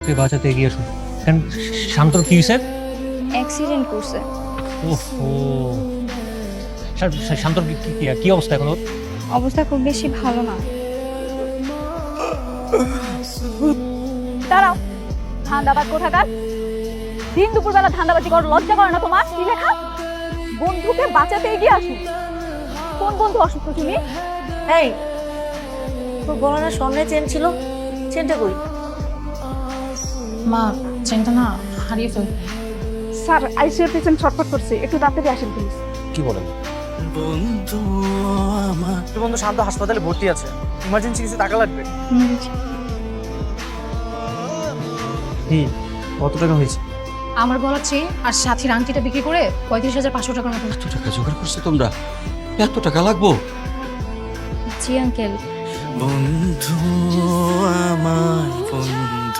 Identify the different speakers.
Speaker 1: বাঁচাতে এগিয়ে আসুন। কেন শান্তর কি হয়েছে?
Speaker 2: অ্যাক্সিডেন্ট করছে।
Speaker 1: ওহো, শান্তর কি অবস্থা এখন ওর?
Speaker 2: অবস্থা খুব বেশি ভালো না। দাঁড়াও, ধান্দাবাজ কোথাকার! দিন দুপুরবেলা ধান্দাবাজি কর, লজ্জা করে না তোমার? কি লেখা? বন্ধুকে বাঁচাতে এগিয়ে আসুন। কোন বন্ধু অসুস্থ তুমি?
Speaker 3: এই, তোর গলার সামনে চেন ছিল, চেনটা কই?
Speaker 4: মা, চেনটা না হারিয়ে ফেল।
Speaker 2: স্যার, আইসিইউর পেশেন্ট ছটফট করছে, একটু তাড়াতাড়ি আসেন প্লিজ।
Speaker 1: কি বলেন?
Speaker 5: বন্ধু শান্ত হাসপাতালে ভর্তি আছে, ইমার্জেন্সি কিছু টাকা লাগবে। কি কত টাকা হয়েছে?
Speaker 4: আমার গলার চেয়ে আর সাথীর আংটিটা বিক্রি করে 35,500 টাকার মতো।
Speaker 6: এত টাকা জোগাড় করছো তোমরা? এত টাকা লাগবো?
Speaker 2: জি আঙ্কেল।
Speaker 5: বন্ধু আমার বন্ধু